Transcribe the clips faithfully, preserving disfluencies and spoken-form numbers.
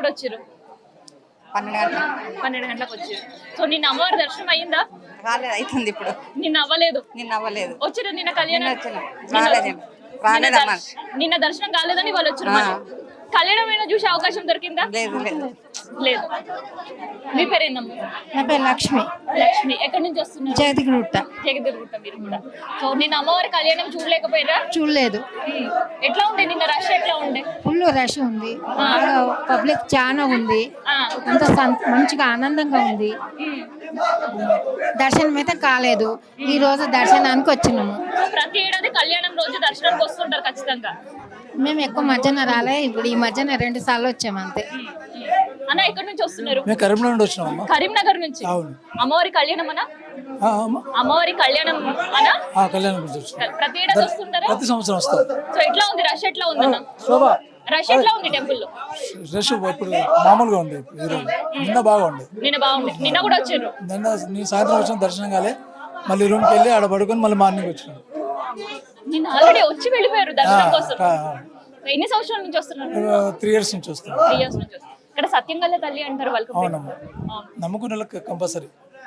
వచ్చారు? పన్నెండు గంటల పన్నెండు గంటలకు వచ్చారు. సో నిన్న అమ్మవారి దర్శనం అయ్యిందా? రాలేదు, అవుతుంది ఇప్పుడు. నిన్న అవ్వలేదు. నిన్న అవ్వలేదు. వచ్చారు నిన్న కళ్యాణం? రాలేదు రాలేదమ్మా. నిన్న దర్శనం కాలేదని వాళ్ళు వచ్చారు. కళ్యాణం ఏమైనా చూసే అవకాశం దొరికిందా? లేదు లేదు లేదు. మీ పేరేందమ్మా? నా పేరు లక్ష్మి. లక్ష్మి. ఎక్కడి నుంచి వస్తున్నారు? జగదిగుట్ట. జగదిగుట్ట. మీరు కూడా. సో నిన్న అమ్మవారి కళ్యాణం చూడలేకపోయారా? చూడలేదు. ఎట్లా ఉండే నిన్న? రష్ ఎట్లా ఉండే? ఫుల్ రష్ ఉంది, పబ్లిక్ చాలా ఉంది, ఆ. అంత సం- మంచిగా ఆనందంగా ఉంది. దర్శనం అయితే కాలేదు, ఈ రోజు దర్శనానికి వచ్చినాము. సో ప్రతి ఏడాది కళ్యాణం రోజు దర్శనానికి వస్తుంటారు ఖచ్చితంగా. మేము ఎక్కువ మధ్యాహ్నం రాలే, ఇప్పుడు ఈ మధ్యాహ్నం రెండు సార్లు వచ్చాము అంతే. అన్న ఎక్కడి నుంచి వస్తున్నారు? మేము కరీంనగర్ నుండి వచ్చినామమ్మా. కరీంనగర్ నుంచి. అవును. అమ్మవారి కళ్యాణం అనా? ఆ, అమ్మా. అమ్మవారి కళ్యాణం అనా? ఆ, కళ్యాణం గురించి వచ్చినాం. ప్రతి ఏడాది వస్తుంటారా? ప్రతి సంవత్సరం వస్తాం. సో ఎట్లా ఉంది? రష్ ఎట్లా ఉంది అన్న? శోభా రష్ ఎట్లా ఉంది టెంపుల్ లో? రష్ ఇప్పుడు మామూలుగా ఉంది. ఈరోజు నిన్న బాగా ఉంది. నిన్న బాగుంది. నిన్న కూడా వచ్చారు. నిన్న నేను సాయంత్రం వచ్చిన దర్శనం కాలే, మళ్ళీ రూమ్కి వెళ్ళి ఆడ పడుకొని మళ్ళీ మార్నింగ్ వచ్చినాం. నిన్న ఆల్రెడీ వచ్చి వెళ్ళిపోయారు దర్శనం కోసం. ఆ, ఎన్ని సంవత్సరాల నుంచి వస్తున్నారు? త్రీ ఇయర్స్ నుంచి వస్తాం. త్రీ ఇయర్స్ నుంచి వస్తున్నారు. ఇక్కడ సత్యంగల్ల తల్లి అంటారు వాళ్ళకి. అవునమ్మా, నమ్ముకున్న వాళ్ళకి కంపల్సరీ.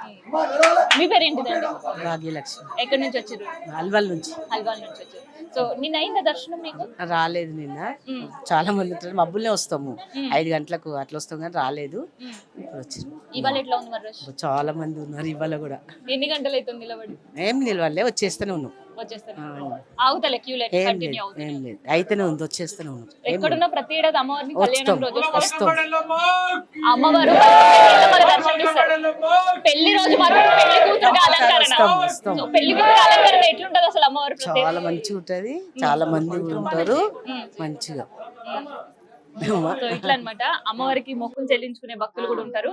మీ పేరు ఏంటిదండి? భాగ్యలక్ష్మి. ఎక్కడి నుంచి వచ్చారు? అల్వాల్ నుంచి. హల్వాల్ నుంచి వచ్చారు. సో నిన్న అయిందా దర్శనం మీకు? రాలేదు నిన్న. చాలా మంది ఉంటారు, మబ్బులనే వస్తాము, ఐదు గంటలకు అట్లా వస్తాం కానీ రాలేదు. ఇప్పుడు వచ్చారు. ఇవాళ ఎట్లా ఉంది మరి రష్? చాలా మంది ఉన్నారు ఇవాళ కూడా. ఎన్ని గంటలు అవుతుంది నిలబడి? ఏం నిలవాలే, వచ్చేస్తూనే ఉన్నాం. వచ్చేస్తాను. ఆగుతలే క్యూ లెట్ ఏం కంటిన్యూ లేదు, అవుతుంది. ఏం లేదు, అయితేనే ఉంది, వచ్చేస్తూనే ఉన్నాం. ఎక్కడున్న ప్రతి ఏడాది అమ్మవారిని వస్తాం కళ్యాణం రోజు వస్తారు. వస్తాం. అమ్మవారు మనకు దర్శనం ఇస్తారు. పెళ్లి రోజు మాత్రం పెళ్లి కూతురు అలంకరణ. వస్తాం, వస్తాం. సో పెళ్లి కూతురు అలంకరణ ఎట్లుంటది అసలు అమ్మవారు? చాలా మంచిగా ఉంటది, చాలా మంది కూడా ఉంటారు మంచిగా. సో ఇట్లా అన్నమాట. అమ్మవారికి మొక్కులు చెల్లించుకునే భక్తులు కూడా ఉంటారు.